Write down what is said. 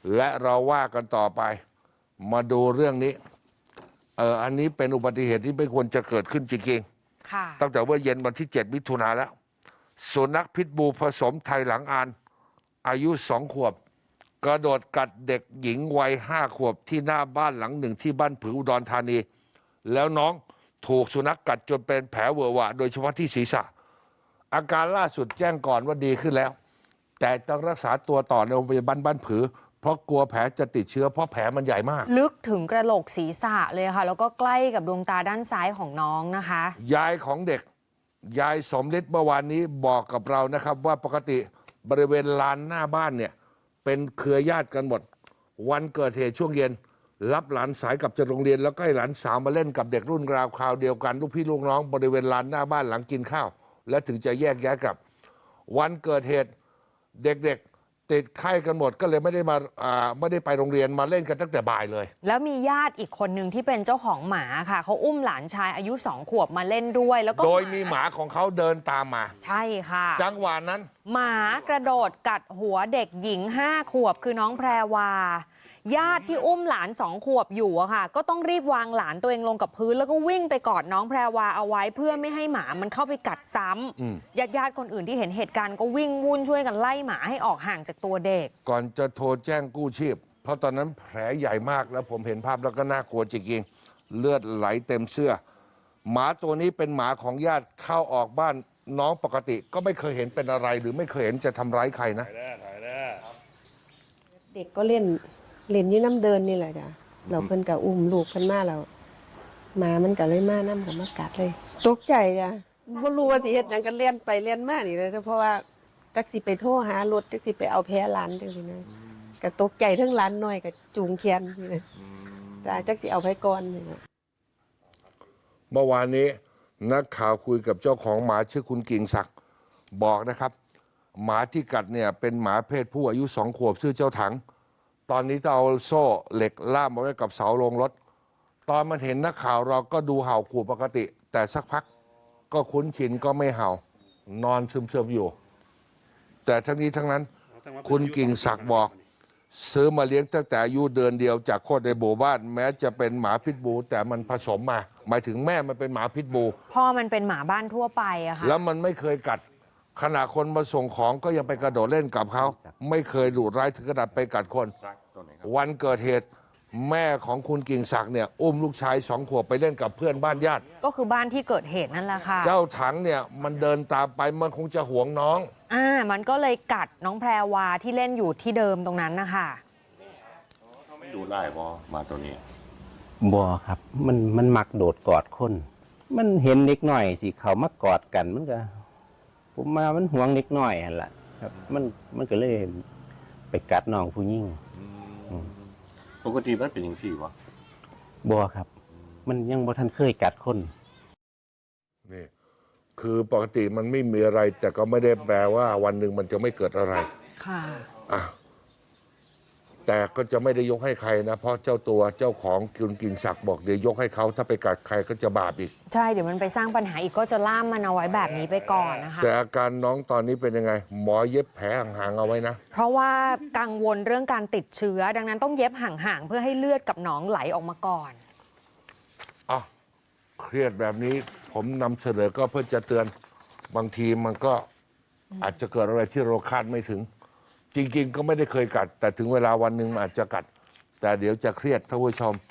และเราว่ากันต่อไปมาดูเรื่องนี้อันนี้เป็นอุบัติเหตุที่ไม่ควรจะเกิดขึ้นจริงๆตั้งแต่ว่าเย็นวันที่7 มิถุนายนแล้วสุนัขพิษบูผสมไทยหลังอานอายุ2 ขวบกระโดดกัดเด็กหญิงวัย5 ขวบที่หน้าบ้านหลังหนึ่งที่บ้านผืออุดรธานีแล้วน้องถูกสุนัขกัดจนเป็นแผลเวอะหวะโดยเฉพาะที่ศีรษะอาการล่าสุดแจ้งก่อนว่าดีขึ้นแล้วแต่ต้องรักษาตัวต่อในโรงพยาบาลบ้านผือเพราะกลัวแผลจะติดเชื้อเพราะแผลมันใหญ่มากลึกถึงกระโหลกศีรษะเลยค่ะแล้วก็ใกล้กับดวงตาด้านซ้ายของน้องนะคะยายของเด็กยายสมฤทธิ์เมื่อวานนี้บอกกับเรานะครับว่าปกติบริเวณลานหน้าบ้านเนี่ยเป็นเครือญาติกันหมดวันเกิดเหตุช่วงเย็นรับหลานสายกลับจากโรงเรียนแล้วก็ให้หลานสาวมาเล่นกับเด็กรุ่นราวคราวเดียวกันลูกพี่ลูกน้องบริเวณลานหน้าบ้านหลังกินข้าวและถึงจะแยกย้ายกลับวันเกิดเหตุเด็กๆติดไข้กันหมดก็เลยไม่ได้ไปโรงเรียนมาเล่นกันตั้งแต่บ่ายเลยแล้วมีญาติอีกคนหนึ่งที่เป็นเจ้าของหมาค่ะเขาอุ้มหลานชายอายุ2 ขวบมาเล่นด้วยแล้วก็โดยมีหมาของเขาเดินตามมาใช่ค่ะจังหวะนั้นหมากระโดดกัดหัวเด็กหญิง5 ขวบคือน้องแพรวาญาติที่อุ้มหลาน2 ขวบอยู่อะค่ะก็ต้องรีบวางหลานตัวเองลงกับพื้นแล้วก็วิ่งไปกอดน้องแพรวาเอาไว้เพื่อไม่ให้หมามันเข้าไปกัดซ้ำญาติคนอื่นที่เห็นเหตุการณ์ก็วิ่งวุ่นช่วยกันไล่หมาให้ออกห่างจากตัวเด็กก่อนจะโทรแจ้งกู้ชีพเพราะตอนนั้นแผลใหญ่มากแล้วผมเห็นภาพแล้วก็น่ากลัวจริงๆเลือดไหลเต็มเสื้อหมาตัวนี้เป็นหมาของญาติเข้าออกบ้านน้องปกติก็ไม่เคยเห็นเป็นอะไรหรือไม่เคยเห็นจะทำร้ายใครนะเด็กก็เล่นยี่น้ำเดินนี่แหละจ้ะเราเพิ่นกับอุ้มลูกเพิ่นมาแล้วหมามันก็เลยมาน้ำกับมากัดเลยตกใจจ้ะบ่รู้ว่าสิเฮ็ดหยังกันเล่นไปเล่นมานี่เลยเพราะว่าจักสิไปโทรหารถจักสิไปเอาแพ้หลานจังซี่นะก็ตกใจทั้งหลานน้อยก็จูงแขนนี่นะแต่จักสิเอาไปก่อนนี่เมื่อวานนี้นักข่าวคุยกับเจ้าของหมาชื่อคุณกิ่งศักดิ์บอกนะครับหมาที่กัดเนี่ยเป็นหมาเพศผู้อายุ2 ขวบชื่อเจ้าถังตอนนี้ต้องเอาโซ่เหล็กล่ามเอาไว้กับเสาโรงรถตอนมันเห็นนักข่าวเราก็ดูเห่าขู่ปกติแต่สักพักก็คุ้นชินก็ไม่เห่านอนซึมๆอยู่แต่ทั้งนี้ทั้งนั้นคุณกิ่งศักดิ์บอกซื้อมาเลี้ยงตั้งแต่อายุเดือนเดียวจากโคตรในหมู่บ้านแม้จะเป็นหมาพิษบูแต่มันผสมมาหมายถึงแม่มันเป็นหมาพิษบูพ่อมันเป็นหมาบ้านทั่วไปอะค่ะแล้วมันไม่เคยกัดขณะคนมาส่งของก็ยังไปกระโดดเล่นกับเขาไม่เคยดุร้ายถึงขนาดไปกัดคนวันเกิดเหตุแม่ของคุณกิ่งศักดิ์เนี่ยอุ้มลูกชาย2 ขวบไปเล่นกับเพื่อนบ้านญาติก็คือบ้านที่เกิดเหตุนั่นแหละค่ะเจ้าถังเนี่ยมันเดินตามไปมันคงจะหวงน้องมันก็เลยกัดน้องแพรวาที่เล่นอยู่ที่เดิมตรงนั้นนะคะดูไล่บอมาตัวนี้บอครับมันมักโดดกอดคนมันเห็นเล็กหน่อยสิเขามากอดกันมันก็ผมมามันห่วงเล็กหน่อยหั่นล่ะครับมันก็เลยไปกัดน้องผู้หญิงปกติมันเป็นอย่างสี่วะบอครับมันยังบ่ทันเคยกัดคนนี่คือปกติมันไม่มีอะไรแต่ก็ไม่ได้แปลว่าวันหนึ่งมันจะไม่เกิดอะไรค่ะแต่ก็จะไม่ได้ยกให้ใครนะเพราะเจ้าของคุณกิ่งศักดิ์บอกเดี๋ยวยกให้เขาถ้าไปกัดใครก็จะบาปอีกใช่เดี๋ยวมันไปสร้างปัญหาอีกก็จะล่ามมันเอาไว้แบบนี้ไปก่อนนะคะแต่อาการน้องตอนนี้เป็นยังไงหมอเย็บแผลห่างๆเอาไว้นะเพราะว่ากังวลเรื่องการติดเชื้อดังนั้นต้องเย็บห่างๆเพื่อให้เลือดกับหนองไหลออกมาก่อนเครียดแบบนี้ผมนำเสนอก็เพื่อจะเตือนบางทีมันก็อาจจะเกิดอะไรที่เราคาดไม่ถึงจริงๆก็ไม่ได้เคยกัดแต่ถึงเวลาวันหนึ่งมันอาจจะกัดแต่เดี๋ยวจะเครียดท่านผู้ชม